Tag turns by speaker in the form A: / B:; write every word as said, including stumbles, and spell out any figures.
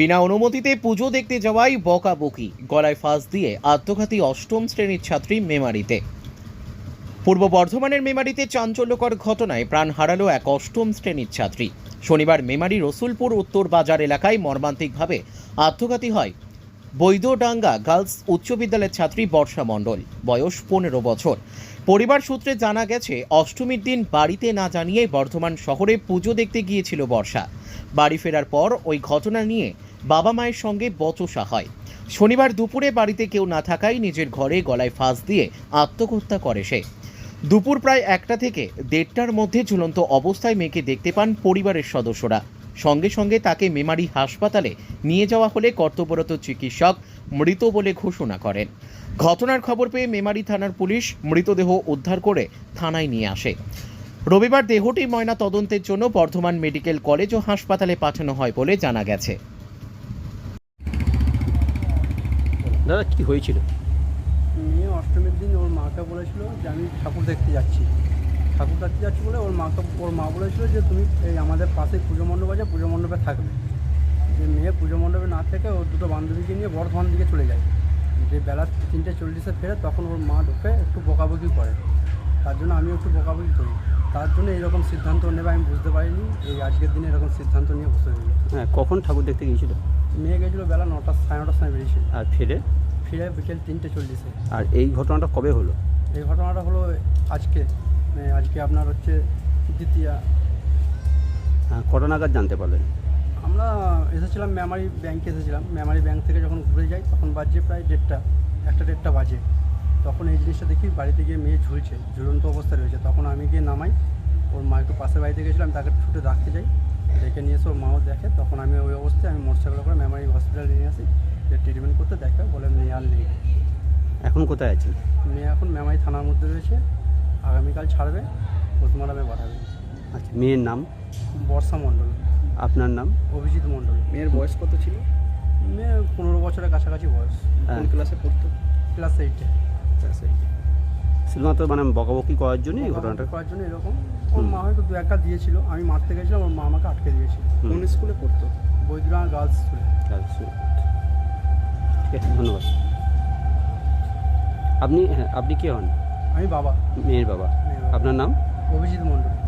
A: বিনা অনুমতিতে পুজো দেখতে যাওয়াই বকাবকি, গলায় ফাঁস দিয়ে আত্মঘাতী অষ্টম শ্রেণীর ছাত্রী মেমারিতে। পূর্ব বর্ধমানের মেমারিতে চাঞ্চল্যকর ঘটনায় প্রাণ হারালো এক অষ্টম শ্রেণীর ছাত্রী। শনিবার মেমারি রসুলপুর উত্তর বাজার এলাকায় মর্মান্তিকভাবে আত্মঘাতী হয় বৈদ্যডাঙ্গা গার্লস উচ্চ বিদ্যালয়ের ছাত্রী বর্ষা মণ্ডল, বয়স পনেরো বছর। পরিবার সূত্রে জানা গেছে, অষ্টমীর দিন বাড়িতে না জানিয়ে বর্ধমান শহরে পুজো দেখতে গিয়েছিল বর্ষা। বাড়ি ফেরার পর ওই ঘটনা নিয়ে বাবা মায়ের সঙ্গে বচসা হয়। শনিবার দুপুরে বাড়িতে কেউ না থাকায় নিজের ঘরে গলায় ফাঁস দিয়ে আত্মহত্যা করে সে। দুপুর প্রায় একটা থেকে দেড়টার মধ্যে ঝুলন্ত অবস্থায় মেয়েকে দেখতে পান পরিবারের সদস্যরা। সঙ্গে সঙ্গে তাকে মেমারি হাসপাতালে নিয়ে যাওয়া হলে কর্তব্যরত চিকিৎসক মৃত বলে ঘোষণা করেন। ঘটনার খবর পেয়ে মেমারি থানার পুলিশ মৃতদেহ উদ্ধার করে থানায় নিয়ে আসে। রবিবার দেহটি ময়না তদন্তের জন্য বর্ধমান মেডিকেল কলেজ ও হাসপাতালে পাঠানো হয় বলে জানা গেছে।
B: দাদা, কি হয়েছিল?
C: মেয়ে অষ্টমীর দিন ওর মাকে বলেছিল যে আমি ঠাকুর দেখতে যাচ্ছি ঠাকুর দেখতে যাচ্ছি বলে ওর মাকে ওর মা বলেছিল যে তুমি এই আমাদের পাশে পুজো মণ্ডপ আছে, পুজো মণ্ডপে থাকবে। যে মেয়ে পুজো মণ্ডপে না থেকে ওর দুটো বান্ধবীকে নিয়ে বর্ধমান দিকে চলে যায়। যে বেলা তিনটে চল্লিশে ফেরে তখন ওর মা ঢুকে একটু বকাবকি করে, তার জন্য আমিও একটু বকাবকি করি। তার জন্য এইরকম সিদ্ধান্ত নেবে আমি বুঝতে পারিনি, এই আজকের দিনে এরকম সিদ্ধান্ত নিয়ে বসে রইল।
B: হ্যাঁ, কখন ঠাকুর দেখতে গিয়েছিল?
C: মেয়ে গেছিলো বেলা নটা সাড়ে নটার সময় বেরিয়েছিল,
B: আর ফিরে
C: ফিরে বিকেল তিনটে চল্লিশে।
B: আর এই ঘটনাটা কবে হলো?
C: এই ঘটনাটা হলো আজকে, মানে আজকে আপনার হচ্ছে দ্বিতীয়া।
B: হ্যাঁ, কটা নাগাদ জানতে পারলেন?
C: আমরা এসেছিলাম মেমারি ব্যাংকে এসেছিলাম, মেমারি ব্যাংক থেকে যখন ঘুরে যাই তখন বাজে প্রায় দেড়টা, একটা দেড়টা বাজে। তখন এই জিনিসটা দেখি বাড়িতে গিয়ে মেয়ে ঝুলছে, ঝুলন্ত অবস্থায় রয়েছে। তখন আমি গিয়ে নামাই, ওর মা একটু পাশের বাড়িতে গেছিলাম, তাকে ছুটে রাখতে যাই, দেখে নিয়ে এসে ওর মাও দেখে। তখন আমি ওই অবস্থায় আমি মোটরসাইকেল করে মেমারি হসপিটালে নিয়ে আসি, যে ট্রিটমেন্ট করতে দেখে বলে মেয়ে আর নেই।
B: এখন কোথায় আছেন?
C: মেয়ে এখন মেমারি থানার মধ্যে রয়েছে, আগামীকাল ছাড়বে, পোস্টমর্টমে পাঠাবে।
B: আচ্ছা, মেয়ের নাম?
C: বর্ষা মণ্ডল।
B: আপনার নাম?
C: অভিজিৎ মণ্ডল।
D: মেয়ের বয়স কত ছিল?
C: মেয়ে পনেরো বছরের কাছাকাছি বয়স।
D: কোন ক্লাসে পড়তো?
C: ক্লাস এইটে।
D: ক্লাস এইটে।
B: শুধুমাত্র মানে বকাবকি করার জন্য এই ঘটনাটা?
C: করার জন্য এরকম। ওর মা হয়তো দু একটা দিয়েছিল, আমি মারতে গেছিলাম, ওর মা আমাকে আটকে দিয়েছিল।
D: কোন স্কুলে পড়তো?
C: বৈদ্যনাথ গার্লস স্কুলে।
B: আচ্ছা, ঠিক আছে, ধন্যবাদ। আপনি হ্যাঁ আপনি কে হন?
C: আমি বাবা।
B: মেয়ের বাবা।
C: মেয়ের বাবা।
B: আপনার নাম?
C: অভিজিৎ মণ্ডল।